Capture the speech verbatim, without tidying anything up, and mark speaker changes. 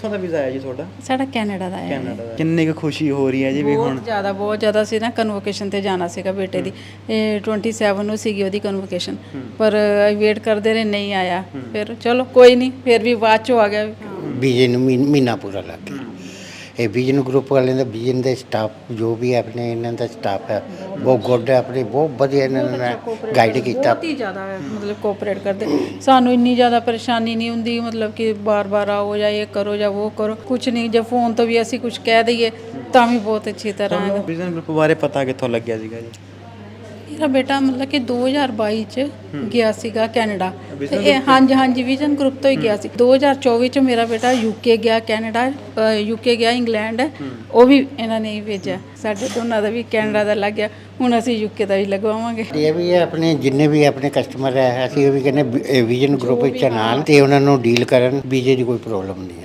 Speaker 1: ਕਿੱਥੋਂ ਦਾ ਵੀਜ਼ਾ ਆਇਆ ਜੀ ਤੁਹਾਡਾ?
Speaker 2: ਸਾਡਾ ਕੈਨੇਡਾ ਦਾ ਹੈ।
Speaker 1: ਕੈਨੇਡਾ ਦਾ। ਕਿੰਨੀ ਕੁ ਖੁਸ਼ੀ ਹੋ ਰਹੀ ਹੈ ਜੀ ਵੀ ਹੁਣ?
Speaker 2: ਬਹੁਤ ਜ਼ਿਆਦਾ ਬਹੁਤ ਜ਼ਿਆਦਾ ਸੀ ਨਾ। ਕਨਵੋਕੇਸ਼ਨ ਤੇ ਜਾਣਾ ਸੀਗਾ ਬੇਟੇ ਦੀ, ਇਹ ਸੱਤਾਈ ਨੂੰ ਸੀਗੀ ਉਹਦੀ ਕਨਵੋਕੇਸ਼ਨ, ਪਰ ਵੇਟ ਕਰਦੇ ਰਹੇ ਨਹੀਂ ਆਇਆ। ਫਿਰ ਚਲੋ ਕੋਈ ਨਹੀਂ, ਫਿਰ ਵੀ ਬਾਅਦ ਚੋਂ ਆ ਗਿਆ।
Speaker 3: ਵੀਜ਼ੇ ਨੂੰ ਮਹੀ- ਮਹੀਨਾ ਪੂਰਾ ਲੱਗ ਗਿਆ। ਇਹ ਵਿਜ਼ਨ ਗਰੁੱਪ ਵਾਲਿਆਂ ਦਾ, ਵਿਜ਼ਨ ਦੇ ਸਟਾਫ ਜੋ ਵੀ ਹੈ ਆਪਣੇ ਇਹਨਾਂ ਦਾ ਸਟਾਫ ਹੈ ਬਹੁਤ ਗੁੱਡ ਹੈ, ਆਪਣੇ ਬਹੁਤ ਵਧੀਆ ਇਹਨਾਂ ਨੇ ਗਾਈਡ ਕੀਤਾ।
Speaker 2: ਬਹੁਤ ਹੀ ਜ਼ਿਆਦਾ ਮਤਲਬ ਕੋਆਪਰੇਟ ਕਰਦੇ, ਸਾਨੂੰ ਇੰਨੀ ਜ਼ਿਆਦਾ ਪਰੇਸ਼ਾਨੀ ਨਹੀਂ ਹੁੰਦੀ, ਮਤਲਬ ਕਿ ਬਾਰ-ਬਾਰ ਆਓ ਜਾਂ ਇਹ ਕਰੋ ਜਾਂ ਉਹ ਕਰੋ, ਕੁਝ ਨਹੀਂ। ਜੇ ਫੋਨ ਤੋਂ ਵੀ ਅਸੀਂ ਕੁਝ ਕਹਿ ਦਈਏ ਤਾਂ ਵੀ ਬਹੁਤ ਅੱਛੀ ਤਰ੍ਹਾਂ।
Speaker 1: ਵਿਜ਼ਨ ਗਰੁੱਪ ਬਾਰੇ ਪਤਾ ਕਿੱਥੋਂ ਲੱਗਿਆ ਸੀਗਾ ਜੀ?
Speaker 2: ਮੇਰਾ ਬੇਟਾ ਮਤਲਬ ਕਿ ਦੋ ਹਜ਼ਾਰ ਬਾਈ ਚ ਗਿਆ ਸੀਗਾ ਕੈਨੇਡਾ, ਤੇ ਇਹ ਹਾਂਜੀ ਹਾਂਜੀ ਵਿਜ਼ਨ ਗਰੁੱਪ ਤੋਂ ਹੀ ਗਿਆ ਸੀ। ਦੋ ਹਜ਼ਾਰ ਚੌਵੀ ਚ ਮੇਰਾ ਬੇਟਾ ਯੂਕੇ ਗਿਆ, ਕੈਨੇਡਾ ਯੂਕੇ ਗਿਆ, ਇੰਗਲੈਂਡ, ਉਹ ਵੀ ਇਹਨਾਂ ਨੇ ਹੀ ਭੇਜਿਆ। ਸਾਡੇ ਦੋਨਾਂ ਦਾ ਵੀ ਕੈਨੇਡਾ ਦਾ ਲੱਗ ਗਿਆ, ਹੁਣ ਅਸੀਂ ਯੂਕੇ ਦਾ ਵੀ ਲਗਵਾਵਾਂਗੇ।
Speaker 3: ਇਹ ਵੀ ਹੈ ਆਪਣੇ ਜਿੰਨੇ ਵੀ ਆਪਣੇ ਕਸਟਮਰ ਹੈ, ਅਸੀਂ ਇਹ ਵੀ ਕਹਿੰਦੇ ਵਿਜ਼ਨ ਗਰੁੱਪ ਵਿੱਚ ਨਾਲ ਤੇ ਉਹਨਾਂ ਨੂੰ ਡੀਲ ਕਰਨ, ਵੀਜ਼ੇ ਦੀ ਕੋਈ ਪ੍ਰੋਬਲਮ ਨਹੀਂ ਹੈ।